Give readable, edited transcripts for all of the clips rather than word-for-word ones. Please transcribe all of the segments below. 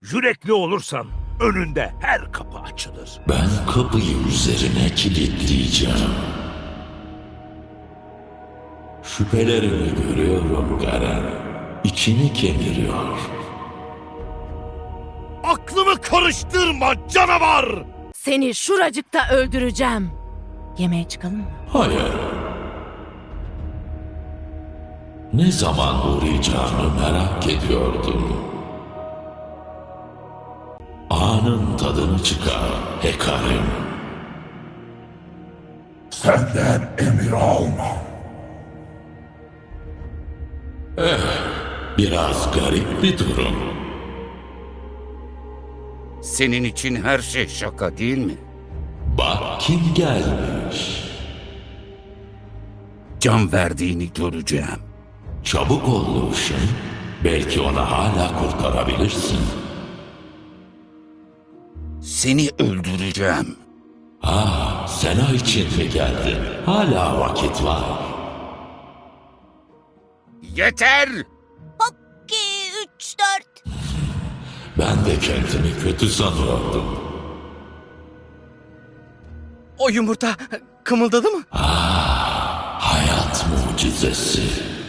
Yürekli olursan önünde her kapı açılır. Ben kapıyı üzerine kilitleyeceğim. Şüphelerimi görüyorum Garen. İçini kemiriyor. Aklımı karıştırma canavar! Seni şuracıkta öldüreceğim. Yemeğe çıkalım mı? Hayır. Ne zaman uğrayacağını merak ediyordum. Anın tadını çıkar Hekarim. Senden emir almam. Biraz garip bir durum. Senin için her şey şaka değil mi? Bak kim gelmiş. Can verdiğini göreceğim. Çabuk ol Lucian. Belki onu hala kurtarabilirsin. Seni öldüreceğim. Sena için mi geldin? Hala vakit var. Yeter! 2, 3, 4. Ben de kendimi kötü sanıyordum. O yumurta kımıldadı mı? Hayat mucizesi.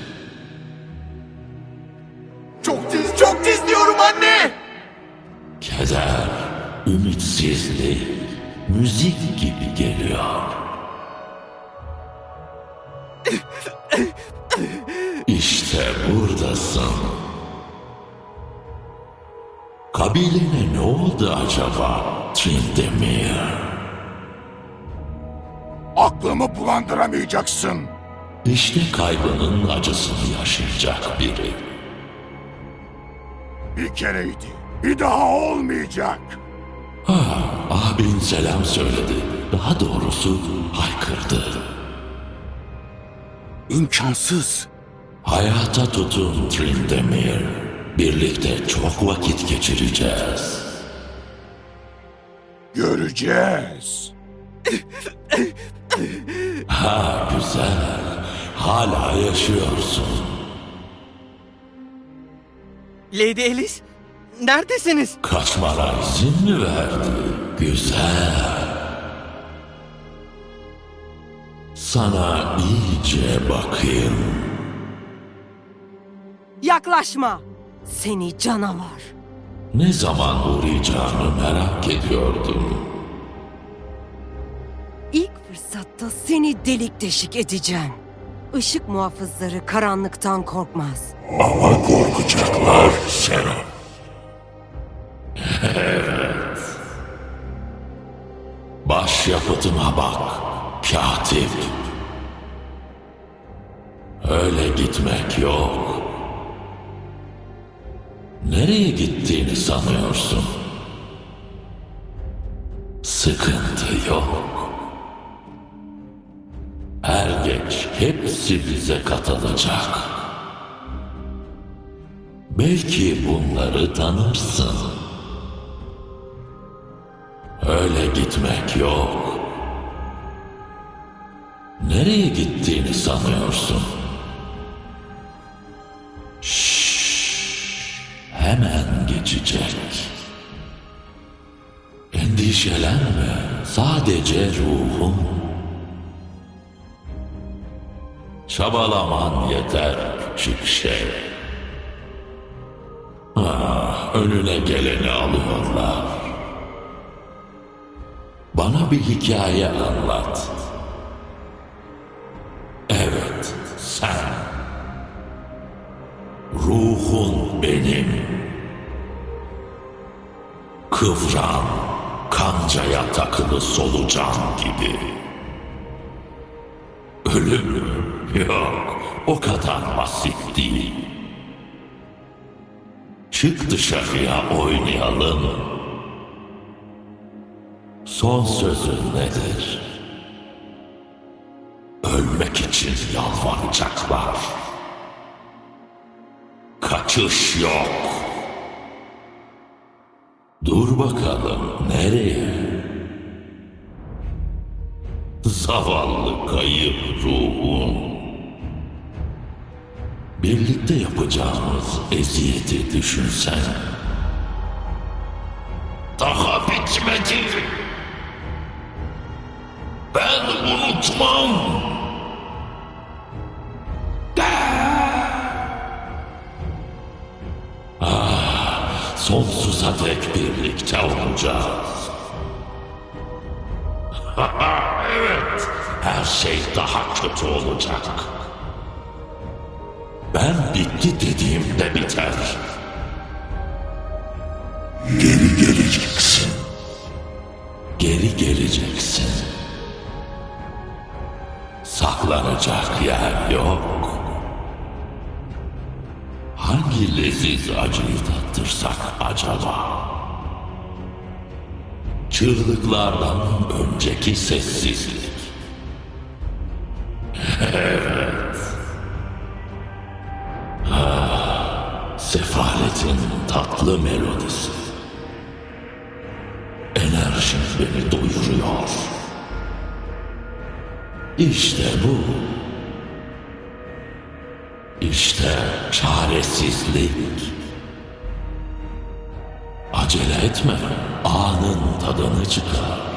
Çok tiz diyorum anne! Keder, ümitsizlik, müzik gibi geliyor. İşte buradasın. Kabilene ne oldu acaba Tryndamere? Aklımı bulandıramayacaksın. İşte kaybının acısını yaşayacak biri. Bir kereydi. Bir daha olmayacak. Abin selam söyledi. Daha doğrusu haykırdı. İmkansız. Hayata tutun Tryndamere. Birlikte çok vakit geçireceğiz. Göreceğiz. Güzel. Hala yaşıyorsun. Lady Alice, neredesiniz? Kaçmana izin mi verdi? Güzel. Sana iyice bakayım. Yaklaşma. Seni canavar. Ne zaman uğrayacağını merak ediyordum. İlk fırsatta seni delik deşik edeceğim. Işık muhafızları karanlıktan korkmaz. Ama korkacaklar Sena. Evet. Başyapıtıma bak, katip. Öyle gitmek yok. Nereye gittiğini sanıyorsun? Sıkıntı yok. Er geç hepsi bize katılacak. Belki bunları tanırsın. Öyle gitmek yok. Nereye gittiğini sanıyorsun? Hemen geçecek. Endişelenme. Sadece ruhum. Çabalaman yeter küçük şey. Önüne geleni alıyorlar. Bana bir hikaye anlat. Evet, sen. Ruhun benim. Kıvran, kancaya takılı solucan gibi. Ölüm yok, o kadar basit değil. Çık dışarıya oynayalım. Son sözün nedir? Ölmek için yalvaracaklar. Kaçış yok. Dur bakalım nereye? Zavallı kayıp ruhum. Birlikte yapacağımız eziyeti düşünsen. daha bitmedi. Ben unutmam. Sonsuza dek birlikte olacağız. Evet, her şey daha kötü olacak. Ben bitti dediğimde biter. Geri geleceksin. Geri geleceksin. Saklanacak yer yok. Hangi leziz acıyı tattırsak acaba? Çığlıklardan önceki sessizlik. Evet. Sefaletin tatlı melodisi. Enerjin beni doyuruyor. İşte bu. İşte çaresizlik. Acele etme, anın tadını çıkar.